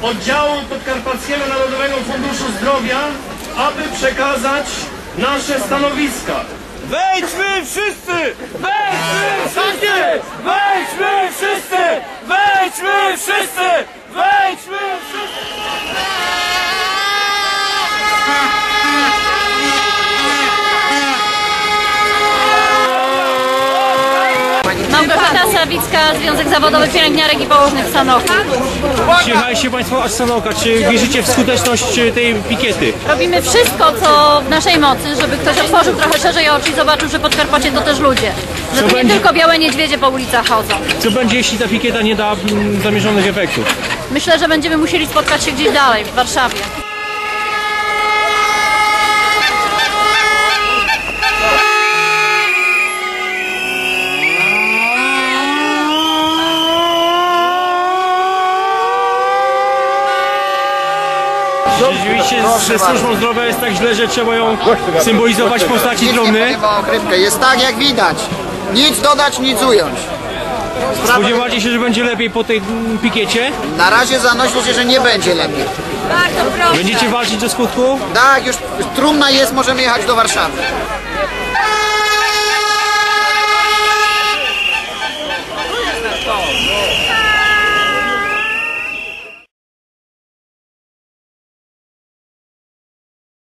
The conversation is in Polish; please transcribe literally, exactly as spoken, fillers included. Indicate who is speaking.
Speaker 1: oddziału Podkarpackiego Narodowego Funduszu Zdrowia, aby przekazać nasze stanowiska.
Speaker 2: Wejdźmy wszyscy! Wejdźmy wszyscy! Wejdźmy wszyscy! Wejdźmy wszyscy! Wejdźmy wszyscy!
Speaker 3: Małgorzata Sawicka, Związek Zawodowy Pielęgniarek i Położnych w Sanoku.
Speaker 4: Przyjechaliście Państwo aż z Sanoka. Czy wierzycie w skuteczność tej pikiety?
Speaker 3: Robimy wszystko, co w naszej mocy, żeby ktoś otworzył trochę szerzej oczy i zobaczył, że Podkarpacie to też ludzie. Że
Speaker 4: Co
Speaker 3: to nie
Speaker 4: będzie?
Speaker 3: tylko białe niedźwiedzie po ulicach chodzą.
Speaker 4: Co będzie, jeśli ta pikieta nie da mm, zamierzonych efektów?
Speaker 3: Myślę, że będziemy musieli spotkać się gdzieś dalej, w Warszawie.
Speaker 4: Rzeczywiście ze służbą zdrowia jest tak źle, że trzeba ją symbolizować w postaci trumny.
Speaker 5: Jest tak, jak widać. Nic dodać, nic ująć.
Speaker 4: Spodziewacie się, że będzie lepiej po tej mm, pikiecie?
Speaker 5: Na razie zanosi się, że nie będzie lepiej.
Speaker 3: Bardzo proszę.
Speaker 4: Będziecie walczyć do skutku?
Speaker 5: Tak, już trumna jest, możemy jechać do Warszawy.